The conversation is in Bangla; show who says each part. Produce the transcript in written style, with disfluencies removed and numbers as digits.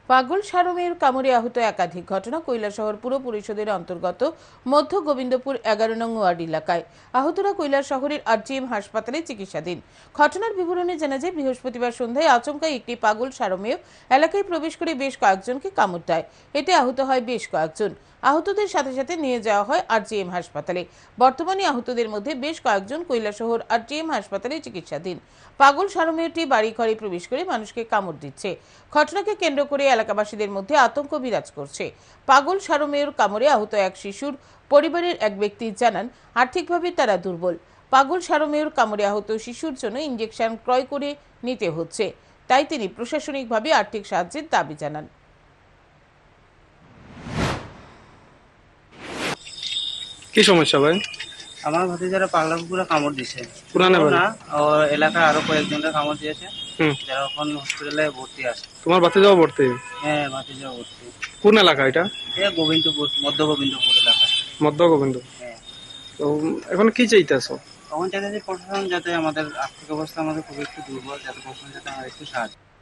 Speaker 1: পাগল সারমেয়র কামড়ে আহত একাধিক ঘটনা কৈলাসহর পুর পরিষদের অন্তর্গত মধ্য গোবিন্দপুর 11 নং ওয়ার্ড এলাকায়। আহতরা কৈলাসহরের আরজিএম হাসপাতালে চিকিৎসাধীন। ঘটনার বিবরণে জানা যায়, বৃহস্পতিবার সন্ধ্যায় আচমকা একটি পাগল সারমেয় এলাকায় প্রবেশ করে বেশ কয়েকজনকে কামড় দেয়। এতে আহত হয় বেশ কয়েকজন। আহতদের সাথে সাথে নিয়ে যাওয়া হয় আরজিএম হাসপাতালে। বর্তমানে আহতদের মধ্যে বেশ কয়েকজন কৈলাসহর আরজিএম হাসপাতালে চিকিৎসাধীন। পাগল সারমেয়টি বাড়ি ঘরে প্রবেশ করে মানুষকে কামড় দিচ্ছে। ঘটনাকে কেন্দ্র করে এলাকাবাসীদের মধ্যে আতঙ্ক বিরাজ করছে। পাগল সারমেয়র কামড়ে আহত এক শিশুর পরিবারের এক ব্যক্তি জানান, আর্থিকভাবে তারা দুর্বল। পাগল সারমেয়র কামড়ে আহত শিশুর জন্য ইনজেকশন ক্রয় করে নিতে হচ্ছে, তাই তিনি প্রশাসনিকভাবে আর্থিক সাহায্যের দাবি জানান।
Speaker 2: কি সমস্যা ভাই?
Speaker 3: আমার ভাতিজারা পাগলা কুকুরে কামড় দিছে।
Speaker 2: পুরানা বাড়ি?
Speaker 3: না, ওর এলাকায় আরো কয়েকজনকে কামড় দিয়েছে,
Speaker 2: হুম।
Speaker 3: যারা এখন হসপিটালে ভর্তি আছে।
Speaker 2: তোমার ভাতিজাও ভর্তি?
Speaker 3: হ্যাঁ, ভাতিজা ভর্তি।
Speaker 2: কোন এলাকা এটা?
Speaker 3: গোবিন্দপুর, মধ্য গোবিন্দপুর এলাকা।
Speaker 2: মধ্য গোবিন্দ।
Speaker 3: হ্যাঁ।
Speaker 2: তো এখন কি চাইতেছো?
Speaker 3: তখন চাইতেছি প্রশাসন যাতে আমাদের আর্থিক অবস্থা আমাদের খুব একটু দুর্বল, যাতে প্রশাসন যাতে আমাদের একটু সাহায্য